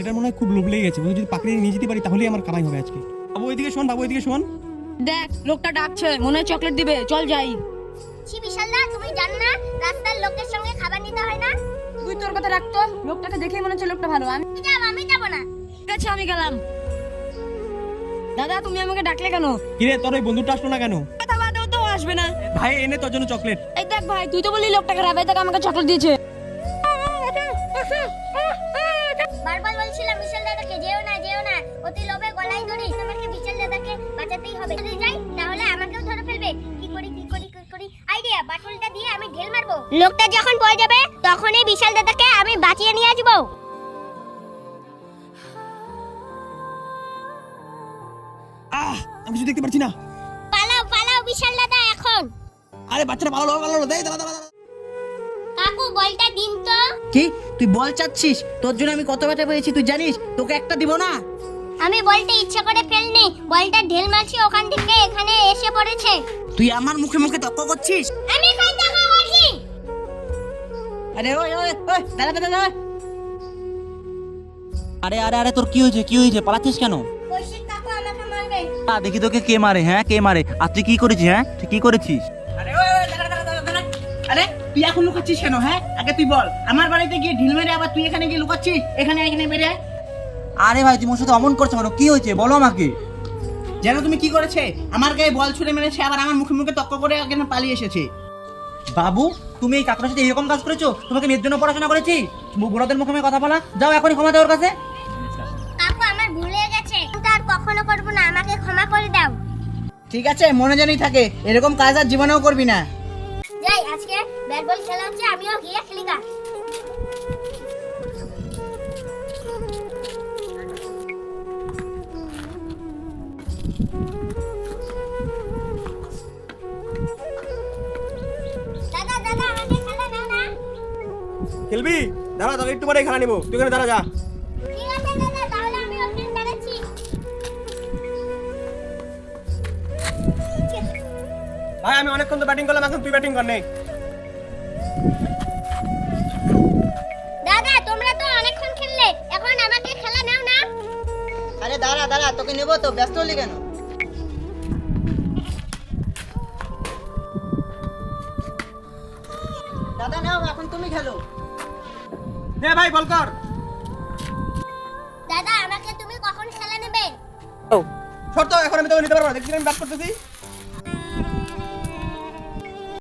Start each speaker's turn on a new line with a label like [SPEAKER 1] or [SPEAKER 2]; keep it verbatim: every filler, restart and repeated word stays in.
[SPEAKER 1] ছেলেটার মনে হয় খুব লোভ লেগে গেছে, যদি পাকড়ে নিয়ে যেতে পারি তাহলেই আমার কামাই হবে আজকে। বাবু এদিকে শোন, বাবু এদিকে শোন।
[SPEAKER 2] দেখ লোকটা ডাকছে, মনে হয় চকলেট দিবে, চল যাই।
[SPEAKER 3] ছি বিশালদা, তুমি জানো না রাস্তার লোকের সঙ্গে খাবার নিতে হয় না?
[SPEAKER 2] তুই তোর কথা রাখতো, লোকটাকে দেখেই মনে হচ্ছে লোকটা ভালো। আমি
[SPEAKER 3] যাব, আমি যাব না।
[SPEAKER 2] ঠিক আছে আমি গেলাম। দাদা তুমি আমাকে ডাকলে কেন?
[SPEAKER 1] কিরে তোর ওই বন্ধুটা আসলো না কেন?
[SPEAKER 2] কথা বাদেও তো ও আসবে না।
[SPEAKER 1] ভাই এনে তোর জন্য চকলেট।
[SPEAKER 2] এই দেখ ভাই, তুই তো বললি লোকটাকে রাবে, দেখ আমাকে চকলেট দিয়েছে।
[SPEAKER 3] বারবার বলছিলাম বিশাল দাদাকে যেও না যেও না, অতি লোভে গলায় ধরি। তোমাকে বিশাল দাদাকে বাঁচাতেই হবে, যদি যাই তাহলে আমাকেও ধরে ফেলবে। কি করি কি করি কি করি আইডিয়া, বাটুলটা দিয়ে আমি ঢেল মারবো। লোকটা যখন পড়ে যাবে তখনই বিশাল দাদাকে আমি বাঁচিয়ে নিয়ে আসবো।
[SPEAKER 1] আহ আমি কিছু দেখতে পাচ্ছি না।
[SPEAKER 3] পালাও পালাও বিশাল দাদা এখন।
[SPEAKER 1] আরে বাচ্চাটা পালালো পালালো, দেই দাঁড়া দাঁড়া।
[SPEAKER 3] কাকু বলটা দিন তো।
[SPEAKER 4] কি তুই বল চাচ্ছিস? তোর জন্য আমি কত ব্যথা পেয়েছি তুই জানিস? তোকে একটা দিব না।
[SPEAKER 3] আমি বলটা ইচ্ছা করে ফেলনি, বলটা ঢেল মারছি ওখান থেকে এখানে এসে পড়েছে।
[SPEAKER 4] তুই আমার মুখে মুখে তর্ক করছিস।
[SPEAKER 3] আমি কই টাকা করছি?
[SPEAKER 4] আরে ওই ওই ওই দাঁড়া দাঁড়া দাঁড়া।
[SPEAKER 5] আরে আরে আরে তোর কি হয়েছে কি হয়েছে পালাচ্ছিস কেন?
[SPEAKER 3] কৌশিক কাকু আমাকে মারবে।
[SPEAKER 5] আ, দেখি তোকে কে মারে, হ্যাঁ কে মারে? আর তুই কি করেছিস? হ্যাঁ তুই কি করেছিস?
[SPEAKER 4] আরে ওই ওই দাঁড়া দাঁড়া দাঁড়া দাঁড়া। আরে তুই এখন লুকাচ্ছিস কেন? হ্যাঁ আগে তুই বল। আমার বাড়িতে গিয়ে ঢিল মেরে আবার তুই এখানে গিয়ে লুকাচ্ছিস? এখানে এখানে মেরে
[SPEAKER 5] আরে ভাই তুমি ওর সাথে অমন করছো কেন? কি হয়েছে বলো আমাকে।
[SPEAKER 4] জানো তুমি কি করেছে? আমার গায়ে বল ছুড়ে মেরেছে, আবার আমার মুখে মুখে তর্ক করে এখানে পালিয়ে এসেছে।
[SPEAKER 5] বাবু তুমি এই কাকুর সাথে এরকম কাজ করেছো? তোমাকে মেয়ের জন্য পড়াশোনা করেছি? বুড়োদের মুখে মুখে কথা বলা, যাও এখনই ক্ষমা দাও ওর কাছে।
[SPEAKER 3] কাকু আমার ভুল হয়ে গেছে, আর কখনো করব না, আমাকে ক্ষমা করে দাও।
[SPEAKER 4] ঠিক আছে মনে জানি থাকে, এরকম কাজ আর জীবনেও করবি না।
[SPEAKER 3] যাই, আজকে ব্যাট বল খেলা হচ্ছে, আমিও গিয়ে খেলি গা। দাদা দাদা আমাকে খেলা দাও না।
[SPEAKER 1] খেলবি? দাঁড়া তোকে একটু পরে খেলা নিবো, তুই এখানে দাঁড়া যা।
[SPEAKER 3] ঠিক আছে দাদা, তাহলে আমি ওখানে দাঁড়াচ্ছি।
[SPEAKER 1] ভাই আমি অনেকক্ষণ তো ব্যাটিং করলাম, এখন তুই ব্যাটিং কর নে।
[SPEAKER 3] দাদা তোমরা তো অনেকক্ষণ খেললে, এখন আমাকে খেলা নাও না।
[SPEAKER 4] আরে দাঁড়া দাঁড়া, তোকে নেবো তো, ব্যস্ত হলি কেন? দাদা নাও, এখন তুমি খেলো।
[SPEAKER 1] দে ভাই বল কর।
[SPEAKER 3] দাদা আমাকে তুমি কখন খেলা নেবে?
[SPEAKER 1] শর্ত এখন আমি তোকে নিতে পারবো না, দেখছি আমি ব্যাট করতেছি।